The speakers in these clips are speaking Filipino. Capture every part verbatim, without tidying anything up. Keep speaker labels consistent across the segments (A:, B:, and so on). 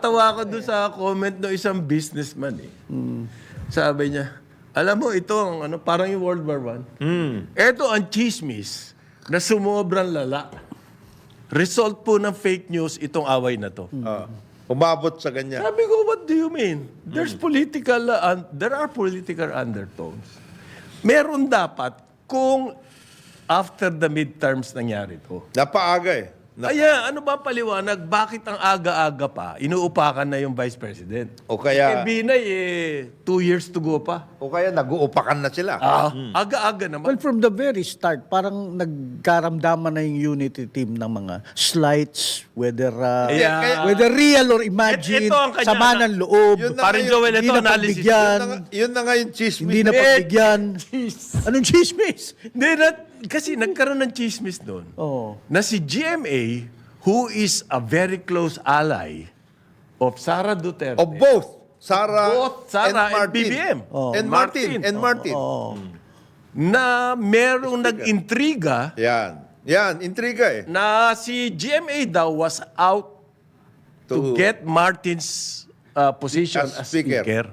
A: Natatawa ko doon sa comment ng isang businessman eh. Sabi niya, alam mo ito ang ano, parang yung World War One. Ito ang chismis na sumobrang lala. Result po ng fake news itong away na to.
B: Ah, umabot sa ganyan.
A: Sabi ko, what do you mean? There's political, uh, un- there are political undertones. Meron dapat kung after the midterms nangyari to.
B: Napaaga eh. Na-
A: Kaya ano ba paliwanag? Bakit ang aga-aga pa, inuupakan na yung Vice President?
B: o
A: Eh,
B: kaya,
A: Binay, eh, two years to go pa.
B: o kaya nag-uupakan na sila.
A: Ah, aga-aga naman.
C: Well, from the very start, parang nagkaramdaman na yung unity team ng mga slights, whether uh,
A: Yeah.
B: Kaya-
C: whether real or imagined,
A: Ito ang kanya
C: sama
A: na-
C: ng loob,
B: Yun na
A: Parin
B: ngayon,
A: Joel,
C: hindi
A: ito
C: na
A: analysis.
B: Yun
C: pagbigyan,
B: na, nga- yun na nga yung chismis.
C: hindi na
A: Eh,
C: pagbigyan.
A: Jeez.
C: Anong chismis?
A: Hindi na, kasi nagkaroon ng chismis doon
C: Oh.
A: na si G M A, who is a very close ally of Sara Duterte,
B: Of both. Sara,
A: Both Sara and
B: Martin.
A: B B M.
C: Oh.
B: And Martin. And Martin.
C: Oh.
A: na merong nag-intriga
B: Yan. Yan, intriga eh.
A: na si G M A daw was out to,
B: To-
A: get Martin's uh, position
B: As
A: as,
B: speaker.
A: speaker.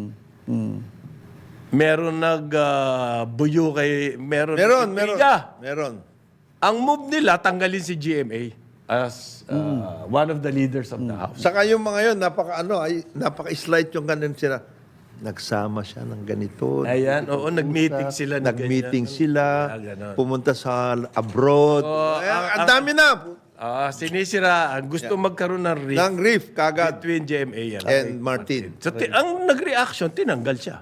A: Meron nag-buyo kay... Meron,
B: Meron, meron.
A: intriga.
B: Meron.
A: Ang move nila, tanggalin si G M A as uh, one of the leaders of the House.
B: Saka yung mga yun, napaka ano, ay, napaka-slight yung ganun sila. Nagsama siya ng ganito.
A: Ayan, oo, nag-meeting sila. na
B: Nag-meeting
A: ganyan.
B: sila.
A: Ah, ganon.
B: Pumunta sa abroad.
A: Oo,
B: Ay,
A: ang-
B: ang dami na.
A: Ah, sinisira. Gusto magkaroon ng rift
B: Ng riff kagad.
A: between G M A and,
B: And Martin.
A: So, ti- ang nag-reaction, tinanggal siya.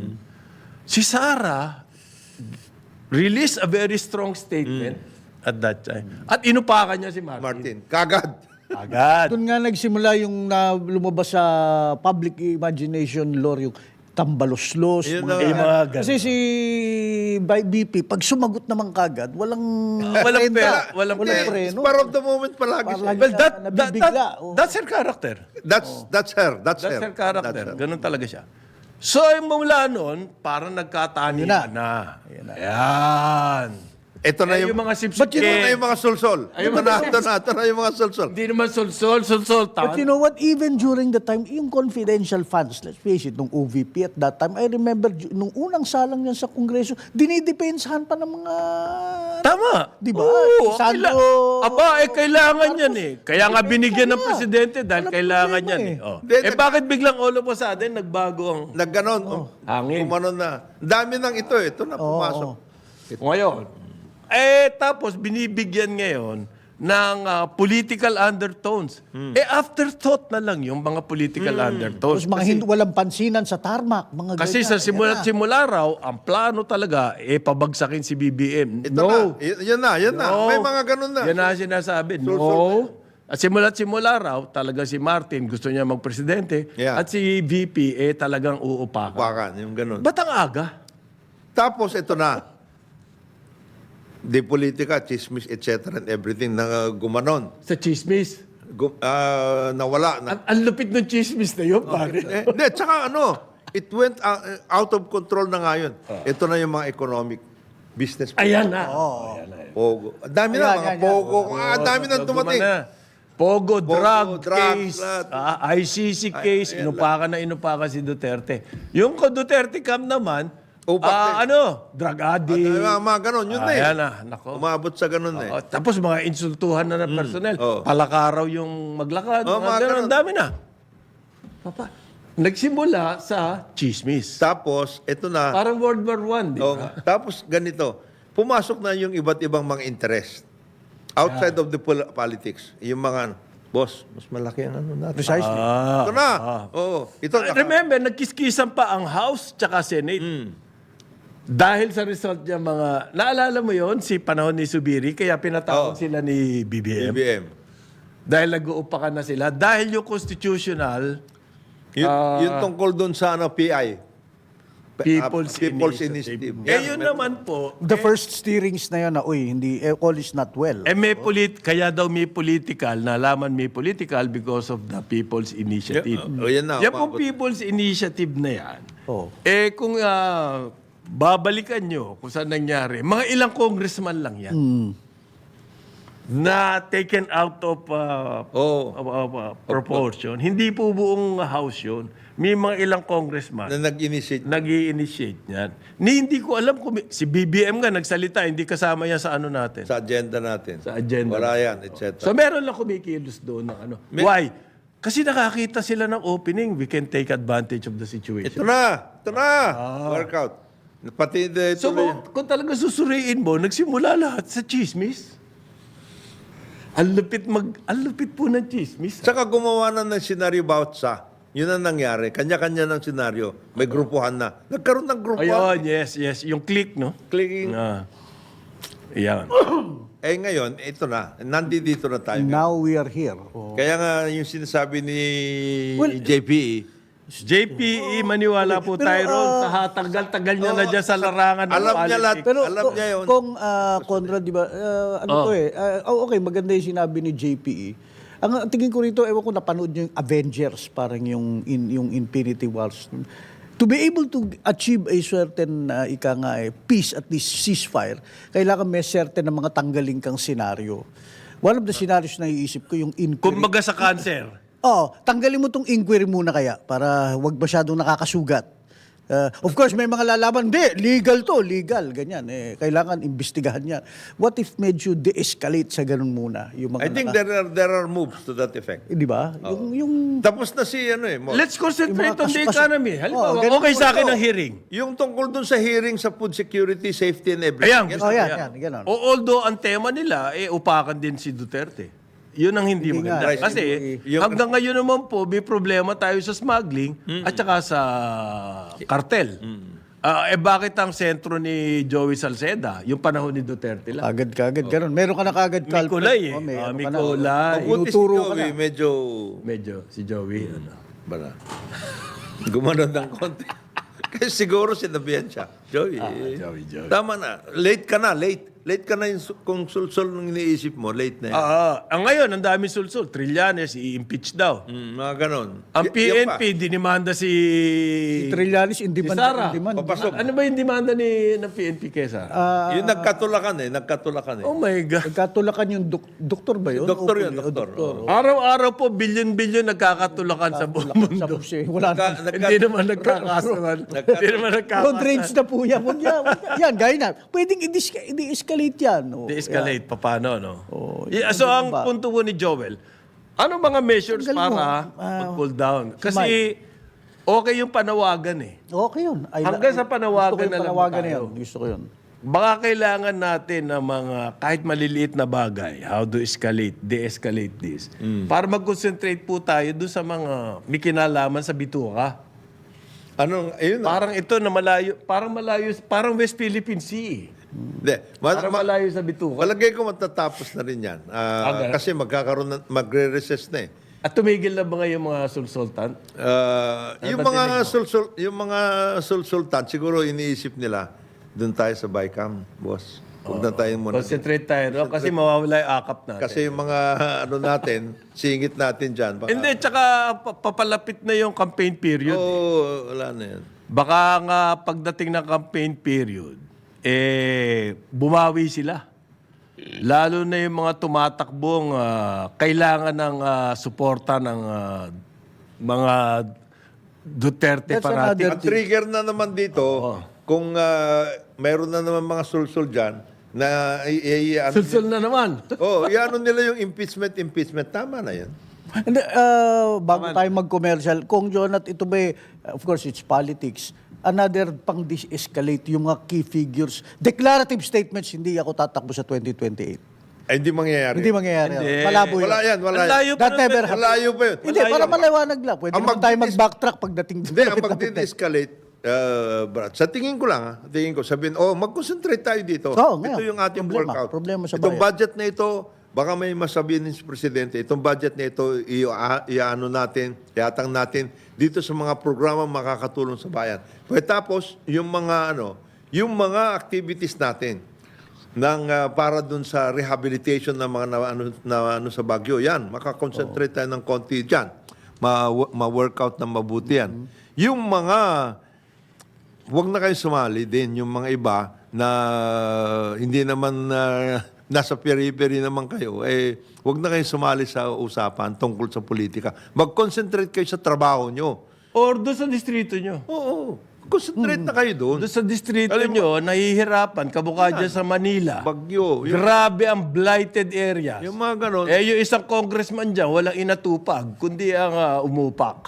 A: Si Sara released a very strong statement at that time. At inupakan niya si Martin.
B: Martin. Kagad.
A: Agad.
C: Doon nga nagsimula yung na lumabas sa public imagination lore, yung tambalos-los.
B: Yun
C: mga
B: na.
A: Eh,
C: ganyan.
A: mga ganun.
C: Kasi si B P, pag sumagot naman kagad, walang
A: walang
C: prenda,
A: pera, walang
C: walang
A: pera.
C: preno.
B: Spur of the moment palagi siya.
C: Palagi
A: Well,
C: siya
A: that, that,
C: nabibigla.
A: that,
C: Oh.
A: that's her character.
B: That's, that's her. That's,
A: That's
B: her.
A: her character.
B: That's her.
A: Ganun talaga siya. So, yung mula noon, parang nagkatani
C: Yun na.
A: na. Ayan.
B: Ito na
A: Eh,
B: yung,
A: yung mga
B: Ba't yun
A: sipsip.
B: na yung mga sulsol?
A: Ay, yung
B: Ito na,
A: mga-
B: ito na, ito na yung mga sulsol.
A: Hindi naman sulsol, sulsultan.
C: But you know what, even during the time, yung confidential funds, let's face it, nung O V P at that time, I remember, ju- nung unang salang niyan sa Kongreso, dinidepensahan pa ng mga...
A: Tama.
C: Di ba?
A: Oo,
C: Sandro-
A: kaila- Aba, eh, kailangan yan eh. Kaya nga
C: Depensa
A: binigyan ng
C: niya.
A: presidente dahil
C: Walang
A: kailangan
C: problema
A: yan
C: eh.
A: eh. Oh.
B: Hindi,
A: Eh,
B: nag-
A: bakit biglang all of a sudden nagbago ang...
B: Nagganon. Oh,
A: Hangin.
B: Kumanon na. Dami ng ito eh. Ito na pumasok.
A: Ngayon, eh, tapos binibigyan ngayon ng ah, political undertones. Eh, afterthought na lang yung mga political undertones.
C: Tapos mga
A: Kasi-
C: hindi, walang pansinan sa tarmac, mga
A: Kasi
C: ganyan.
A: sa
C: Yan
A: simula't
C: na.
A: simula raw, ang plano talaga, eh, pabagsakin si B B M.
B: Ito
A: no.
B: na. Y- yan na, yan na.
A: No.
B: May mga ganun na.
A: Yan na sinasabi.
B: Sulsul
A: No. At simula't simula raw, talaga si Martin gusto niya magpresidente.
B: Yeah.
A: At si V P, eh, talagang uupakan.
B: Bakan, yung ganun.
A: Ba't ang aga?
B: Tapos ito na. Di politika, chismis, et cetera and everything na gumanon.
A: Sa chismis.
B: Gu- ah, nawala. Na.
A: Ang, ang lupit ng chismis na yun, pare.
B: Eh, Hindi, tsaka ano, it went uh, out of control na nga yun. Ito na yung mga economic business.
A: Ayan na. Oh. Ayan na.
B: Pogo. Ang dami na,
C: Ayan,
B: mga
C: yan, yan.
B: pogo. Ah, ang dami na dumating.
A: Pogo, drug
B: drugs,
A: case,
B: lahat.
A: ah, I C C case,
B: ayan,
A: inupakan na inupakan si Duterte. Yung ko Duterte cam naman,
B: Upak
A: ah,
B: din.
A: ano, drug
B: At,
A: addict.
B: mga, mga ganon, yun na eh.
A: Ayan na, nako.
B: Umabot sa ganon na eh.
A: Oh, tapos mga insultuhan na ng personnel.
B: Oo.
A: Palakaraw yung maglakad.
B: Oh,
A: mga
B: mga
A: ganun.
B: ganun.
A: Ang dami na. Papa, nagsimula sa chismis.
B: Tapos, ito na.
A: Parang World War One, di
B: Oh,
A: ba?
B: tapos ganito, pumasok na yung iba't ibang mga interest. Outside of the pol- politics. Yung mga, boss, mas malaki ang ano natin.
C: Precisely.
B: Ito na. Oo. Ito,
A: Ah, remember, nagkiskisan pa ang House tsaka Senate.
B: Hmm.
A: Dahil sa result niya mga... Naalala mo yon si panahon ni Subiri, kaya pinatawag
B: Oo.
A: sila ni B B M.
B: B B M.
A: Dahil nag-uupakan na sila. Dahil yung constitutional,
B: Yun,
A: Ah.
B: yun tungkol doon sa ano, P I.
A: People's,
B: Ah, People's
A: Initiative.
B: Initiative.
A: Eh,
B: Yan,
A: yun
B: meron.
A: naman po,
C: The first steerings na yun na, uy, hindi, eh, all is not well.
A: eh may polit kaya daw may political, nalaman may political because of the People's Initiative.
B: Oh, yan na,
A: Yan pong
B: umabot.
A: People's Initiative na yan.
C: Oh.
A: Eh kung ah, babalikan nyo kung saan nangyari, mga ilang congressman lang yan. na taken out of uh,
B: Oo.
A: of- of, uh, proportion. Hindi po buong house yun. May mga ilang congressman
B: Na nag-initiate.
A: nag initiate niyan. Ni hindi ko alam kung may- si B B M nga nagsalita, hindi kasama yan sa ano natin.
B: Sa agenda natin.
A: Sa agenda.
B: Wala yan, et cetera.
A: So meron lang kumikilos doon ng ano. Why? Kasi nakakita sila ng opening, we can take advantage of the situation.
B: ito na! Ito na! Workout. Pati the,
A: So
B: tuloy-
A: kung, kung talaga susuriin mo, nagsimula lahat sa chismis. Ang lupit mag ang lupit po ng chismis.
B: Tsaka gumawa na ng senaryo about sa. Yun ang nangyari. Kanya-kanya ng senaryo. May grupuhan na. Nagkaroon ng grupuhan.
A: Ayun, yes, yes. Yung click, no?
B: Clicking.
A: Ah. Yan.
B: Eh ngayon, ito na. Nandito na tayo.
C: Now we are here. Oh.
B: Kaya nga yung sinasabi ni
C: Well,
B: J P E,
A: J P E, maniwala po
C: Pero,
A: tayo ron.
C: ah,
A: Sa tagal-tagal niya na dyan sa larangan ng
B: alam niya lahat.
A: politics.
C: Pero
B: Alam
C: ko-
B: niya yun.
C: kung ah, Conrad, di ba, ah, ano
A: Oh.
C: to eh, ah, oh, okay, maganda yung sinabi ni J P E. Ang tingin ko rito, ewan ko napanood nyo yung Avengers, parang yung, in, yung Infinity Wars. To be able to achieve a certain, uh, ika nga eh, peace, at least ceasefire, kailangan may certain na mga tanggaling kang senaryo. One of the scenarios na iisip ko, yung inquiry.
A: Kumbaga sa cancer.
C: Oo, tanggalin mo tong inquiry muna kaya para wag masyadong nakakasugat. Uh, of course, may mga lalaban, hindi, legal to, legal, ganyan. Eh, kailangan imbestigahan yan. What if medyo de-escalate sa ganun muna? Yung mga
B: I think
C: naka-
B: there are there are moves to that effect.
C: Eh, di ba? Yung, yung,
B: Tapos na si ano eh. Mo.
A: Let's concentrate
C: Yung mga
A: on the
C: kasu- kasu-
A: economy. Halimbawa,
C: Oh, ganun
A: okay
C: po
A: sa akin
B: ito.
A: ang hearing.
B: Yung tungkol dun sa hearing sa food security, safety and everything.
A: Ayan,
B: Yes,
A: gusto
C: Oh,
A: ko
C: yan,
A: yan.
C: yan, ganun.
A: O, although ang tema nila, eh, upakan din si Duterte. Yun ang hindi,
C: Hindi
A: maganda.
C: nga.
A: Kasi
B: Yung-
A: hanggang ngayon naman po, may problema tayo sa smuggling at saka sa kartel. Ah, eh bakit ang sentro ni Joey Salceda? Yung panahon ni Duterte lang.
C: agad kagad, ganun. Meron ka na kagad
A: May kulay eh.
C: Oh, may
A: Ah,
C: ano
A: may
C: ka na.
A: kulay.
B: Mabuti si
C: Inuturo ka
B: Joey,
C: na.
B: medyo...
A: Medyo, si Joey. Ano.
B: Bala. Gumanon ng konti. Kasi siguro sinabihan siya. Joey, eh,
A: Joey, Joey.
B: tama na. Late ka na, late. Late ka na yung, su- kung sulsol ng iniisip mo, late na yan.
A: Ah, ah. ang ngayon, ang daming sulsul. Trillanes, i-impeach daw.
B: Mm, mga ganon.
A: Ang
B: Y-
A: P
B: yan
A: N
B: pa.
A: P, dinimanda si...
C: Si Trillanes, in
A: si
C: demand.
A: Sara.
C: in demand.
B: Papasok.
A: Ano ba yung demanda ni ng P N P kay Sara?
C: Ah,
B: Yung nagkatulakan eh, nagkatulakan eh.
A: oh my God.
C: nagkatulakan yung dok- doktor ba yun?
B: Doktor
C: O-
B: yun,
C: o-
B: doktor.
C: doktor.
A: Araw-araw po, bilyon-bilyon nagkakatulakan sa buong mundo.
C: Sa pusi. Wala
B: Nagka-
C: na.
B: nagka-
A: Hindi naman nagkakasuhan. Hindi naman
C: Road
A: nagkakasuhan.
C: rage na po yan. Huwag yan. Huwag yan. Yan, gaya na. Pwedeng i-dis- i-escalate yan. Oh,
A: De-escalate, paano, no?
C: Oh,
A: Yeah, so, ang
C: ba?
A: punto ko ni Joel, ano mga measures
C: Tanggal mo.
A: para
C: Ah,
A: mag-cool down? Kasi, okay yung panawagan eh.
C: Okay yun. Ay,
A: Hanggang sa panawagan
C: gusto ko yung
A: na lang
C: panawagan
A: tayo.
C: na yun. Gusto ko yun.
A: Baka kailangan natin ng mga kahit maliliit na bagay, how to escalate, de-escalate this, para mag-concentrate po tayo doon sa mga may kinalaman sa bituka.
B: Anong, ayun na.
A: Parang ito na malayo, parang malayo, parang West Philippine Sea. eh.
B: Hindi. Ma-
A: Parang
B: ma-
A: malayo sa bituka.
B: Palagay ko matatapos na rin yan. Ah,
A: Okay.
B: Kasi magkakaroon na, magre-recess na eh.
A: At tumigil na ba ngayon mga sulsultan?
B: Ah, yung
A: ba
B: mga
A: tinig mo?
B: sulsul yung mga sulsultan siguro iniisip nila doon tayo sa Bicam, boss. Huwag na tayo muna.
A: Concentrate tayo, no? Kasi mawawala yung akap natin.
B: Kasi yung mga ano natin, singit natin diyan. Baka,
A: Hindi, tsaka pa- papalapit na yung campaign period.
B: Oo, wala na yan.
A: Baka nga pagdating ng campaign period, eh, bumawi sila. Lalo na yung mga tumatakbong ah, kailangan ng ah, suporta ng ah, mga Duterte
C: That's
A: fanatic.
C: another-
B: Ang trigger na naman dito, kung ah, mayroon na naman mga sulsul diyan na i- i- ano,
A: Sulsul na naman.
B: oh, iano nila yung impeachment, impeachment. Tama na yan.
C: And, uh, bago tayo mag-commercial, kung Jonat, ito ba, eh, of course, it's politics. Another pang dis-escalate yung mga key figures. Declarative statements, hindi ako tatakbo sa twenty twenty-eight.
B: Ay, hindi mangyayari.
C: Hindi mangyayari.
A: Hindi.
C: Malabo yun.
B: Wala yan, wala
A: Ang
B: yan.
A: layo pa
C: That
A: nun,
C: never
A: eh.
C: happened.
B: Malayo pa yun.
C: Hindi, para maliwanag lang. Pwede
B: Ang
C: naman tayo
B: magdidis-
C: mag-backtrack pagdating
B: Hindi, ang
C: lapit-lapit na.
B: magdi-escalate, uh, Brad, sa tingin ko lang, ha, tingin ko, sabihin, oh, mag-concentrate tayo dito.
C: Oo,
B: ito
C: ngayon.
B: yung ating
C: Problema.
B: workout.
C: Problema sa
B: Itong
C: bayan.
B: budget na ito, baka may masabihin ni Presidente, itong budget na ito, i- a- iaano natin, iatang natin dito sa mga programa makakatulong sa bayan. Pagkatapos, yung mga, ano, yung mga activities natin, ng ah, para dun sa rehabilitation ng mga na, ano, na, ano sa Baguio. Yan, makakonsentrate tayo ng konti dyan. Ma- ma-workout ng mabuti yan. Yung mga, wag na kayo sumali din, yung mga iba na hindi naman ah, nasa periphery naman kayo, eh, huwag na kayo sumali sa usapan tungkol sa politika. Mag-concentrate kayo sa trabaho nyo.
A: Or doon sa distrito nyo.
B: Oo, concentrate na kayo doon.
A: Doon sa distrito
B: Alam mo-
A: nyo, nahihirapan, kabukha dyan sa Manila.
B: Bagyo. Yung,
A: Grabe ang blighted areas.
B: yung mga ganon.
A: Eh, yung isang congressman dyan, walang inatupag, kundi ang ah, umupak.